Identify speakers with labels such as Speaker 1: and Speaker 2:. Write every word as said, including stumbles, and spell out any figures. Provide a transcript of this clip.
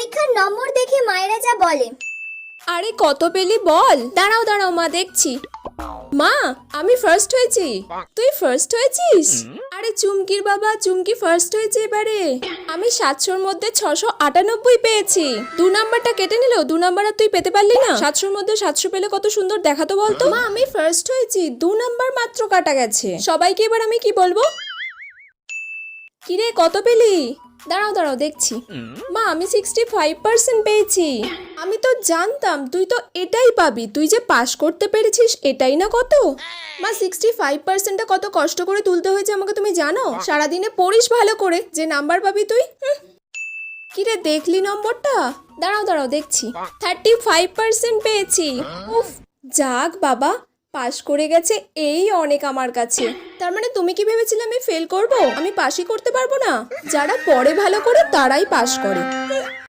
Speaker 1: পরীক্ষার নম্বর দেখে মায়েরা যা বলে।
Speaker 2: আরে কত পেলি বল। দাঁড়াও দাঁড়াও মা দেখছি। মা আমি ফার্স্ট হয়েছি। তুই ফার্স্ট হয়েছিস? আরে চুমকির বাবা, চুমকি ফার্স্ট হয়েছে এবারে। আমি সাতশোর মধ্যে ছশো আটানব্বই পেয়েছি। দু নাম্বারটা কেটে নিল, দু নাম্বার আর তুই পেতে পারলি না। সাতশোর মধ্যে সাতশো পেলে কত সুন্দর দেখাতো বলতো। মা আমি ফার্স্ট হয়েছি, দু নাম্বার মাত্র কাটা গেছে। সবাইকে এবার আমি কি বলবো? কিরে কত পেলি? দাঁড়াও দাঁড়াও দেখছি। মা আমি সিক্সটি ফাইভ পার্সেন্ট পেয়েছি। আমি তো জানতাম তুই তো এটাই পাবি, তুই যে পাশ করতে পেরেছিস এটাই না কত। মা সিক্সটি ফাইভ পার্সেন্টটা কত কষ্ট করে তুলতে হয়েছে আমাকে তুমি জানো? সারাদিনে পড়িস ভালো করে যে নাম্বার পাবি তুই। কিরে দেখলি নম্বরটা? দাঁড়াও দাঁড়াও দেখছি। থার্টি ফাইভ পার্সেন্ট পেয়েছি। উফ যাক বাবা, পাশ করে গেছে এই অনেক আমার কাছে। তার মানে তুমি কি ভেবেছিলে আমি ফেল করব? আমি পাশই করতে পারবো না? যারা পড়ে ভালো করে তারাই পাশ করে।